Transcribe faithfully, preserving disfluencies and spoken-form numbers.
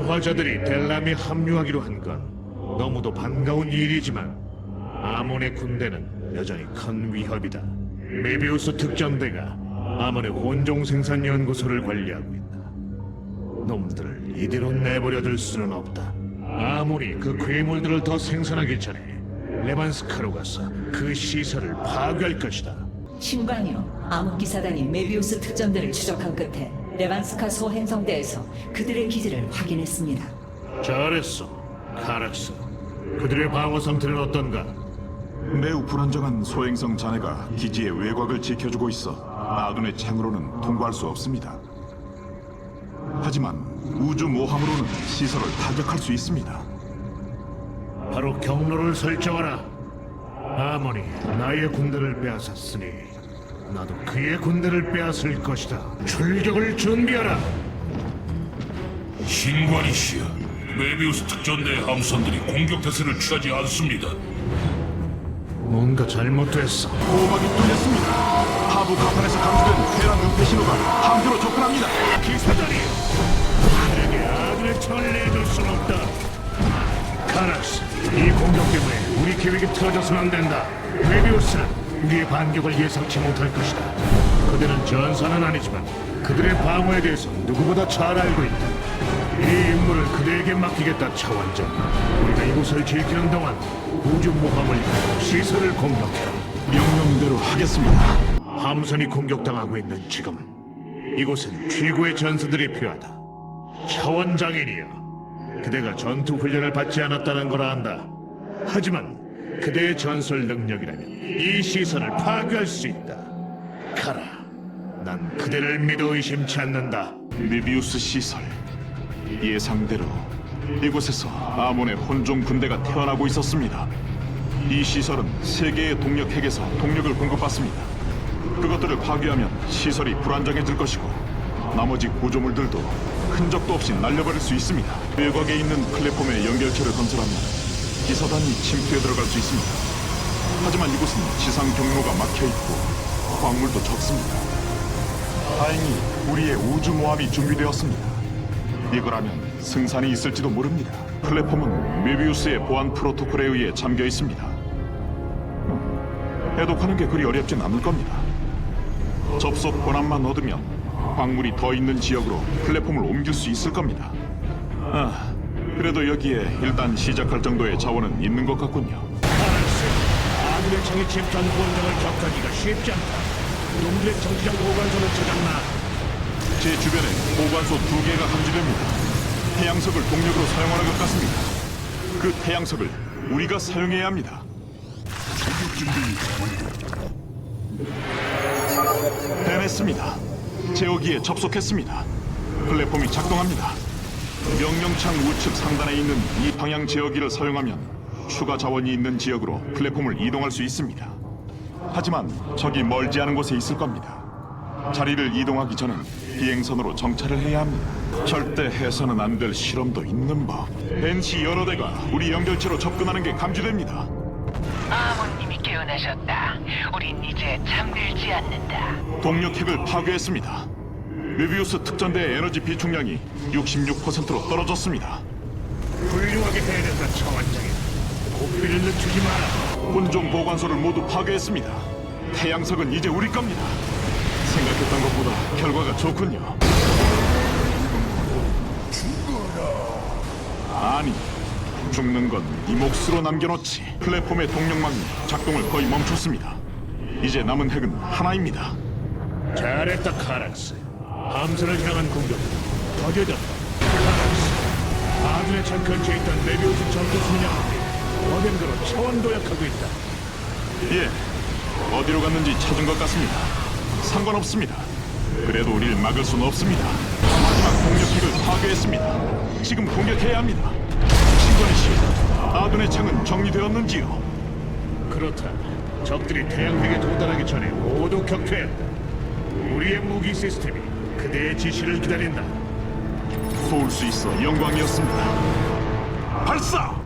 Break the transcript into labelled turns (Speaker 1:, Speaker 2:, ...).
Speaker 1: 부화자들이 델람에 합류하기로 한 건 너무도 반가운 일이지만 아몬의 군대는 여전히 큰 위협이다. 메비우스 특전대가 아몬의 혼종 생산 연구소를 관리하고 있다. 놈들을 이대로 내버려둘 수는 없다. 아몬이 그 괴물들을 더 생산하기 전에 레반스카로 가서 그 시설을 파괴할 것이다.
Speaker 2: 신관이요. 암흑기사단이 메비우스 특전대를 추적한 끝에 레반스카 소행성대에서 그들의 기지를 확인했습니다.
Speaker 1: 잘했어, 카락스. 그들의 방어 상태는 어떤가?
Speaker 3: 매우 불안정한 소행성 자네가 기지의 외곽을 지켜주고 있어 아둔의 창으로는 통과할 수 없습니다. 하지만 우주 모함으로는 시설을 타격할 수 있습니다.
Speaker 1: 바로 경로를 설정하라. 아몬이 나의 군대를 빼앗았으니 나도 그의 군대를 빼앗을 것이다. 출격을 준비하라.
Speaker 4: 신관이시여, 메비우스 특전대의 함선들이 공격 태세를 취하지 않습니다.
Speaker 1: 뭔가 잘못됐어.
Speaker 3: 보호막이 뚫렸습니다. 하부 가판에서 감지된 테란 은폐 신호가 함대로 접근합니다.
Speaker 1: 기사단이 내게 아들의 천을 내줄 순 없다. 카락스, 이 공격 때문에 우리 계획이 틀어져서는 안 된다. 메비우스는 우리의 반격을 예상치 못할 것이다. 그들은 전사는 아니지만 그들의 방어에 대해서 누구보다 잘 알고 있다. 이 임무를 그대에게 맡기겠다, 차원장. 우리가 이곳을 지키는 동안 우주 모함을 이용해 시설을 공격해라.
Speaker 3: 명령대로 하겠습니다.
Speaker 1: 함선이 공격당하고 있는 지금 이곳엔 최고의 전사들이 필요하다. 차원장인이여, 그대가 전투 훈련을 받지 않았다는 걸 안다. 하지만 그대의 전술 능력이라면 이 시설을 파괴할 수 있다. 가라. 난 그대를 믿어 의심치 않는다.
Speaker 3: 메비우스 시설. 예상대로 이곳에서 아몬의 혼종 군대가 태어나고 있었습니다. 이 시설은 세 개의 동력 핵에서 동력을 공급받습니다. 그것들을 파괴하면 시설이 불안정해질 것이고 나머지 구조물들도 흔적도 없이 날려버릴 수 있습니다. 외곽에 있는 플랫폼의 연결체를 건설하면 기사단이 침투해 들어갈 수 있습니다. 하지만 이곳은 지상 경로가 막혀있고 광물도 적습니다. 다행히 우리의 우주 모함이 준비되었습니다. 이거라면 승산이 있을지도 모릅니다. 플랫폼은 메비우스의 보안 프로토콜에 의해 잠겨 있습니다. 해독하는 게 그리 어렵진 않을 겁니다. 접속 권한만 얻으면 광물이 더 있는 지역으로 플랫폼을 옮길 수 있을 겁니다. 아, 그래도 여기에 일단 시작할 정도의 자원은 있는 것 같군요.
Speaker 1: 카락스, 아들의 창에 집단 본정을 격하기가 쉽지 않다. 놈들의 정치적 보관소를 찾았나?
Speaker 3: 제 주변에 보관소 두 개가 감지됩니다. 태양석을 동력으로 사용하는 것 같습니다. 그 태양석을 우리가 사용해야 합니다. 해냈습니다. 제어기에 접속했습니다. 플랫폼이 작동합니다. 명령창 우측 상단에 있는 이 방향 제어기를 사용하면 추가 자원이 있는 지역으로 플랫폼을 이동할 수 있습니다. 하지만 적이 멀지 않은 곳에 있을 겁니다. 자리를 이동하기 전엔 비행선으로 정찰을 해야 합니다. 절대 해서는 안 될 실험도 있는 법. 벤시 여러 대가 우리 연결체로 접근하는 게 감지됩니다.
Speaker 5: 아몬님이 깨어나셨다. 우린 이제 잠들지 않는다.
Speaker 3: 동력핵을 파괴했습니다. 메비우스 특전대의 에너지 비축량이 육십육 퍼센트로 떨어졌습니다.
Speaker 1: 훌륭하게 해야 된다, 차원장인. 고삐를 늦추지 마라.
Speaker 3: 혼종 보관소를 모두 파괴했습니다. 태양석은 이제 우리 겁니다. 생각했던 것보다 결과가 좋군요. 아니, 죽는 건 네 몫으로 남겨놓지. 플랫폼의 동력망이 작동을 거의 멈췄습니다. 이제 남은 핵은 하나입니다.
Speaker 1: 잘했다, 카락스. 함선을 향한 공격은 더뎌졌다. 카락스, 아들의 창 근처에 있던 메비우스 전투 순양함이 어딘가로 차원 도약하고 있다.
Speaker 3: 예, 어디로 갔는지 찾은 것 같습니다. 상관없습니다. 그래도 우릴 막을 수는 없습니다. 마지막 동력핵을 파괴했습니다. 지금 공격해야 합니다. 신관이 씨, 아둔의 창은 정리되었는지요?
Speaker 1: 그렇다. 적들이 태양핵에 도달하기 전에 모두 격퇴했다. 우리의 무기 시스템이 그대의 지시를 기다린다.
Speaker 3: 도울 수 있어 영광이었습니다. 발사!